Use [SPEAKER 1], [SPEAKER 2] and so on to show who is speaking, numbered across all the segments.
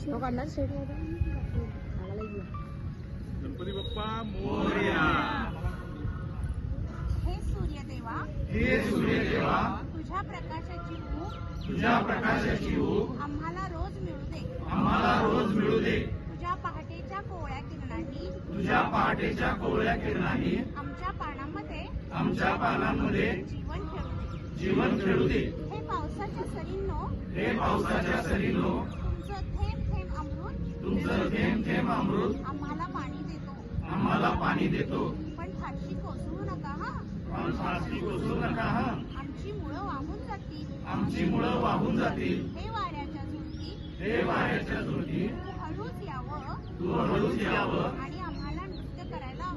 [SPEAKER 1] गणपती बाप्पा मोरया।
[SPEAKER 2] हे सूर्यदेवा, तुझ्या प्रकाशाची ऊब आम्हाला रोज मिळू दे। तुझ्या पहाटेच्या कोवळ्या किरणांनी आमच्या पानांमध्ये जीवन खेळू दे। हे पावसाच्या सरींनो, तुमचं थेंब थेंब अमृत आम्हाला पाणी देतो। पण फारशी कोसळू नका हा। आमची मुळं वाहून जातील। हे वाऱ्याच्या झुळकी तू हळूच यावं आणि आम्हाला नृत्य करायला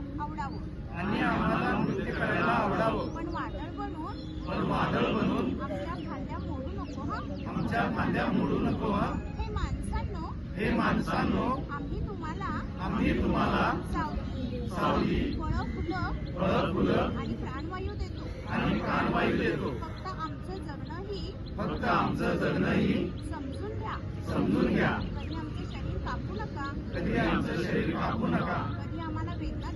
[SPEAKER 2] आवडावं। पण वादळ बनून आमच्या खांद्या मोडू नको हा। हे माणसांनो, आम्ही तुम्हाला सावली, फळं फुलं आणि प्राणवायू देतो। फक्त आमचं जगणंही समजून घ्या। कधी आमचं शरीर कापू नका। कधी आम्हाला वेदना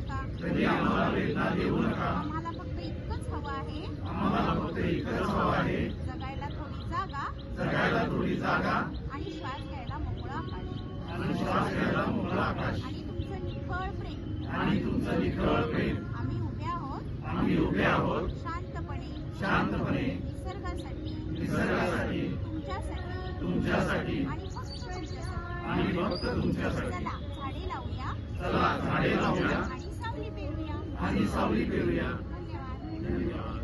[SPEAKER 2] देऊ नका। आम्हाला फक्त इतकंच हवं आहे। जगायला थोडी जागा आणि श्वास घ्यायला मोकळं आकाश आणि तुमचं निखळ प्रेम। आम्ही उभे आहोत शांतपणे निसर्गासाठी तुमच्यासाठी आणि फक्त तुमच्यासाठी। चला झाडे लावूया आणि सावली पेरूया। धन्यवाद।